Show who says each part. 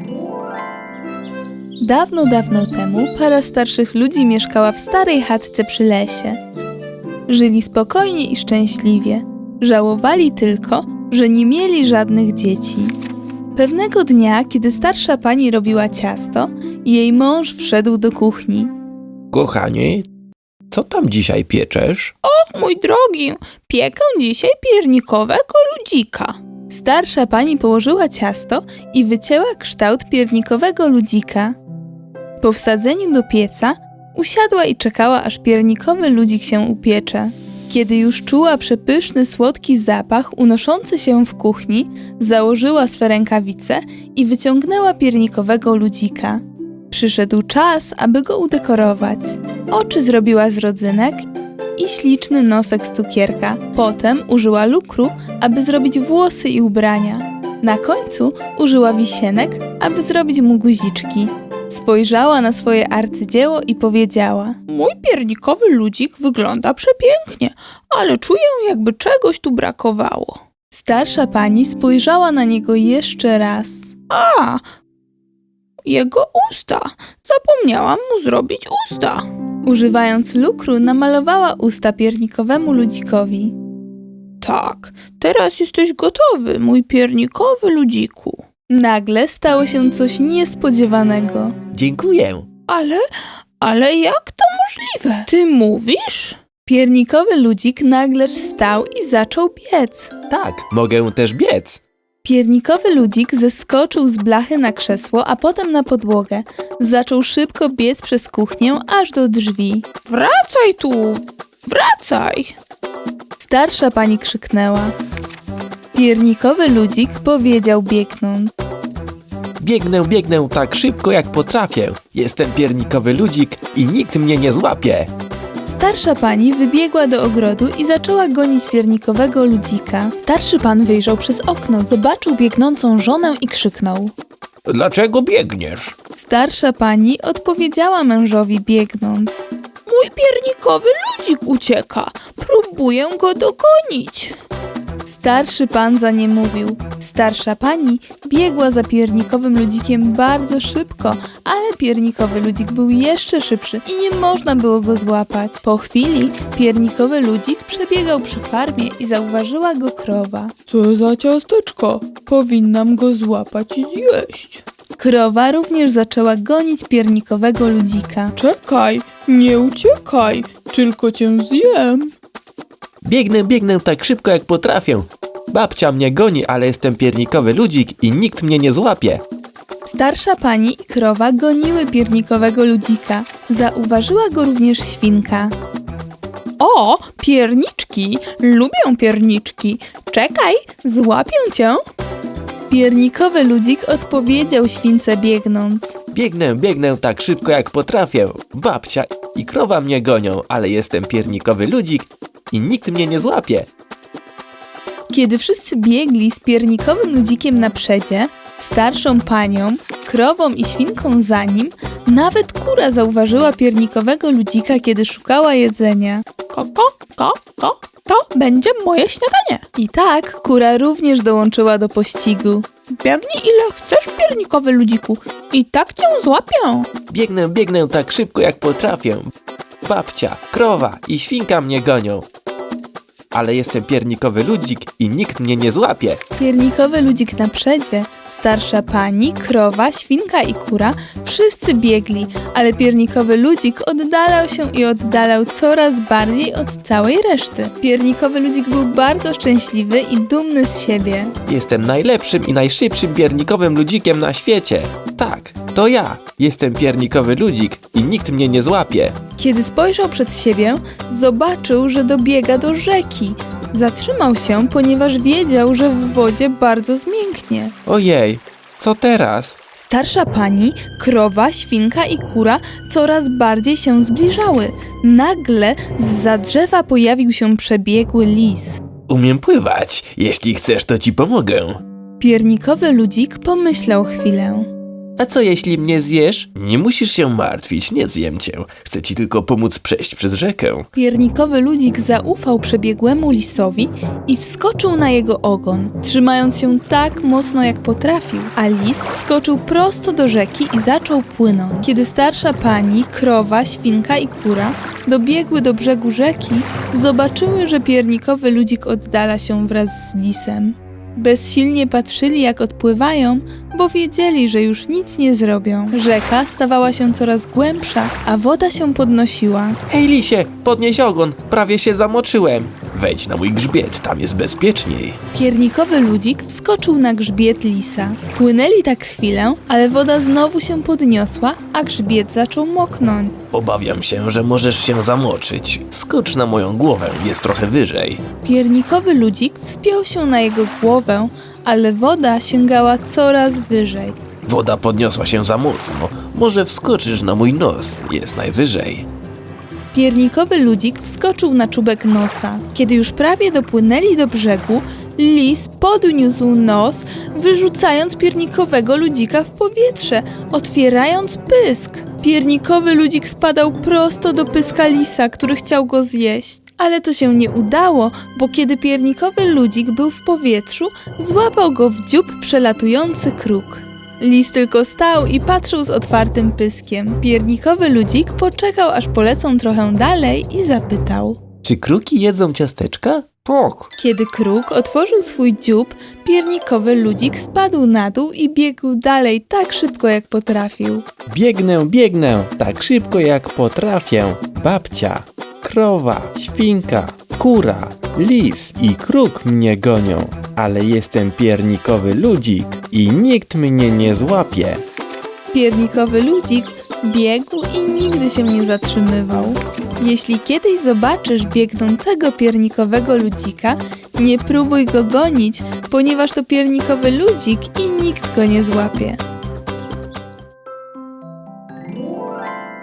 Speaker 1: Dawno, dawno temu para starszych ludzi mieszkała w starej chatce przy lesie. Żyli spokojnie i szczęśliwie. Żałowali tylko, że nie mieli żadnych dzieci. Pewnego dnia, kiedy starsza pani robiła ciasto, jej mąż wszedł do kuchni.
Speaker 2: Kochanie, co tam dzisiaj pieczesz?
Speaker 1: Och, mój drogi, piekę dzisiaj piernikowego ludzika. Starsza pani położyła ciasto i wycięła kształt piernikowego ludzika. Po wsadzeniu do pieca usiadła i czekała, aż piernikowy ludzik się upiecze. Kiedy już czuła przepyszny, słodki zapach unoszący się w kuchni, założyła swe rękawice i wyciągnęła piernikowego ludzika. Przyszedł czas, aby go udekorować. Oczy zrobiła z rodzynek i śliczny nosek z cukierka. Potem użyła lukru, aby zrobić włosy i ubrania. Na końcu użyła wisienek, aby zrobić mu guziczki. Spojrzała na swoje arcydzieło i powiedziała: mój piernikowy ludzik wygląda przepięknie, ale czuję, jakby czegoś tu brakowało. Starsza pani spojrzała na niego jeszcze raz. A, jego usta! Zapomniałam mu zrobić usta. Używając lukru namalowała usta piernikowemu ludzikowi. Tak, teraz jesteś gotowy, mój piernikowy ludziku. Nagle stało się coś niespodziewanego.
Speaker 2: Dziękuję.
Speaker 1: Ale jak to możliwe? Ty mówisz? Piernikowy ludzik nagle wstał i zaczął biec.
Speaker 2: Tak, mogę też biec.
Speaker 1: Piernikowy ludzik zeskoczył z blachy na krzesło, a potem na podłogę. Zaczął szybko biec przez kuchnię aż do drzwi. Wracaj tu! Wracaj! Starsza pani krzyknęła. Piernikowy ludzik powiedział biegnąc.
Speaker 2: Biegnę tak szybko jak potrafię. Jestem piernikowy ludzik i nikt mnie nie złapie.
Speaker 1: Starsza pani wybiegła do ogrodu i zaczęła gonić piernikowego ludzika. Starszy pan wyjrzał przez okno, zobaczył biegnącą żonę i krzyknął.
Speaker 2: Dlaczego biegniesz?
Speaker 1: Starsza pani odpowiedziała mężowi biegnąc. Mój piernikowy ludzik ucieka. Próbuję go dogonić. Starszy pan za nie mówił. Starsza pani biegła za piernikowym ludzikiem bardzo szybko, ale piernikowy ludzik był jeszcze szybszy i nie można było go złapać. Po chwili piernikowy ludzik przebiegał przy farmie i zauważyła go krowa. Co za ciasteczko? Powinnam go złapać i zjeść. Krowa również zaczęła gonić piernikowego ludzika. Czekaj, nie uciekaj, tylko cię zjem.
Speaker 2: Biegnę tak szybko jak potrafię. Babcia mnie goni, ale jestem piernikowy ludzik i nikt mnie nie złapie.
Speaker 1: Starsza pani i krowa goniły piernikowego ludzika. Zauważyła go również świnka. O, pierniczki! Lubię pierniczki! Czekaj, złapię cię! Piernikowy ludzik odpowiedział śwince biegnąc.
Speaker 2: Biegnę tak szybko jak potrafię. Babcia i krowa mnie gonią, ale jestem piernikowy ludzik i nikt mnie nie złapie.
Speaker 1: Kiedy wszyscy biegli z piernikowym ludzikiem na przedzie, starszą panią, krową i świnką za nim, nawet kura zauważyła piernikowego ludzika, kiedy szukała jedzenia. To będzie moje śniadanie. I tak kura również dołączyła do pościgu. Biegnij ile chcesz, piernikowy ludziku, i tak cię złapię.
Speaker 2: Biegnę tak szybko jak potrafię. Babcia, krowa i świnka mnie gonią, ale jestem piernikowy ludzik i nikt mnie nie złapie.
Speaker 1: Piernikowy ludzik na przedzie, starsza pani, krowa, świnka i kura wszyscy biegli, ale piernikowy ludzik oddalał się i oddalał coraz bardziej od całej reszty. Piernikowy ludzik był bardzo szczęśliwy i dumny z siebie.
Speaker 2: Jestem najlepszym i najszybszym piernikowym ludzikiem na świecie. Tak, to ja. Jestem piernikowy ludzik i nikt mnie nie złapie.
Speaker 1: Kiedy spojrzał przed siebie, zobaczył, że dobiega do rzeki. Zatrzymał się, ponieważ wiedział, że w wodzie bardzo zmięknie.
Speaker 2: Ojej, co teraz?
Speaker 1: Starsza pani, krowa, świnka i kura coraz bardziej się zbliżały. Nagle zza drzewa pojawił się przebiegły lis.
Speaker 2: Umiem pływać. Jeśli chcesz, to ci pomogę.
Speaker 1: Piernikowy ludzik pomyślał chwilę.
Speaker 2: A co jeśli mnie zjesz? Nie musisz się martwić, nie zjem cię. Chcę ci tylko pomóc przejść przez rzekę.
Speaker 1: Piernikowy ludzik zaufał przebiegłemu lisowi i wskoczył na jego ogon, trzymając się tak mocno jak potrafił, a lis wskoczył prosto do rzeki i zaczął płynąć. Kiedy starsza pani, krowa, świnka i kura dobiegły do brzegu rzeki, zobaczyły, że piernikowy ludzik oddala się wraz z lisem. Bezsilnie patrzyli, jak odpływają, bo wiedzieli, że już nic nie zrobią. Rzeka stawała się coraz głębsza, a woda się podnosiła.
Speaker 2: Hej lisie, podnieś ogon, prawie się zamoczyłem. Wejdź na mój grzbiet, tam jest bezpieczniej.
Speaker 1: Piernikowy ludzik wskoczył na grzbiet lisa. Płynęli tak chwilę, ale woda znowu się podniosła, a grzbiet zaczął moknąć.
Speaker 2: Obawiam się, że możesz się zamoczyć. Skocz na moją głowę, jest trochę wyżej.
Speaker 1: Piernikowy ludzik wspiął się na jego głowę, ale woda sięgała coraz wyżej.
Speaker 2: Woda podniosła się za mocno. Może wskoczysz na mój nos, jest najwyżej.
Speaker 1: Piernikowy ludzik wskoczył na czubek nosa. Kiedy już prawie dopłynęli do brzegu, lis podniósł nos, wyrzucając piernikowego ludzika w powietrze, otwierając pysk. Piernikowy ludzik spadał prosto do pyska lisa, który chciał go zjeść. Ale to się nie udało, bo kiedy piernikowy ludzik był w powietrzu, złapał go w dziób przelatujący kruk. Lis tylko stał i patrzył z otwartym pyskiem. Piernikowy ludzik poczekał, aż polecą trochę dalej i zapytał.
Speaker 2: Czy kruki jedzą ciasteczka? Tak.
Speaker 1: Kiedy kruk otworzył swój dziób, piernikowy ludzik spadł na dół i biegł dalej tak szybko, jak potrafił.
Speaker 2: Biegnę, tak szybko jak potrafię. Babcia, krowa, świnka, kura, lis i kruk mnie gonią. Ale jestem piernikowy ludzik i nikt mnie nie złapie.
Speaker 1: Piernikowy ludzik biegł i nigdy się nie zatrzymywał. Jeśli kiedyś zobaczysz biegnącego piernikowego ludzika, nie próbuj go gonić, ponieważ to piernikowy ludzik i nikt go nie złapie.